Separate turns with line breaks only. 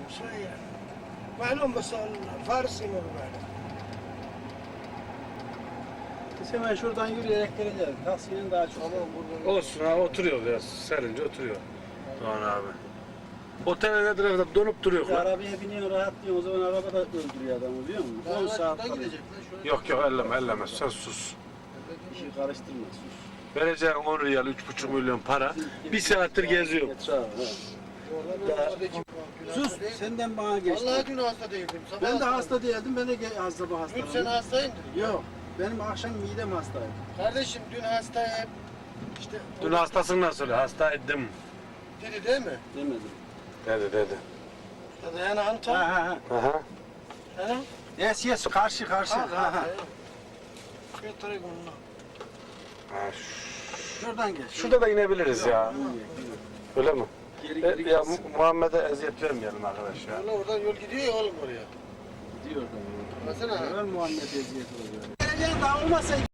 شوية معلوم بس الفارسي مو معلوم.
Biz hemen şuradan yürüyerek geleceğiz. Taksiyenin daha çok.
Olsun ha, oturuyor ya. Serince oturuyor. Doğan abi. Otelde nedir efendim? Donup duruyor.
Bir arabaya biniyor, rahatlıyor. O zaman araba da öldürüyor adamı biliyor musun? 10 saat kalıyor.
Yok yok, elleme. Sen sus.
İşi karıştırma, sus.
Vereceğin 10 riyal, 3,5 milyon para. Bir saattir geziyor.
Sus, senden bana geçti.
Vallahi dün hasta değildim.
Ben de hasta değildim, ben de hasta
Dün
hastayım.
sen hastaydın.
Yok, benim akşam midem hastaydı.
Kardeşim dün hastayım. İşte
Dün hastasın nasıl? Hastaydım.
dedi değil mi?
Demedim.
Dedi.
Hadi yani Anton.
Ha.
Aha.
Hani?
Yes, karşı. Ha.
Götüreyim onu.
Ha,
Şuradan geç.
şurada da inebiliriz ya. Öyle mi?
Geri
Ya
gitsin.
Muhammed'e eziyet vermeyelim arkadaş ya.
Valla oradan yol gidiyor ya oğlum oraya.
Gidiyor da.
Baksana.
Ben Muhammed eziyet oluyor. Geleceğin dağılmasa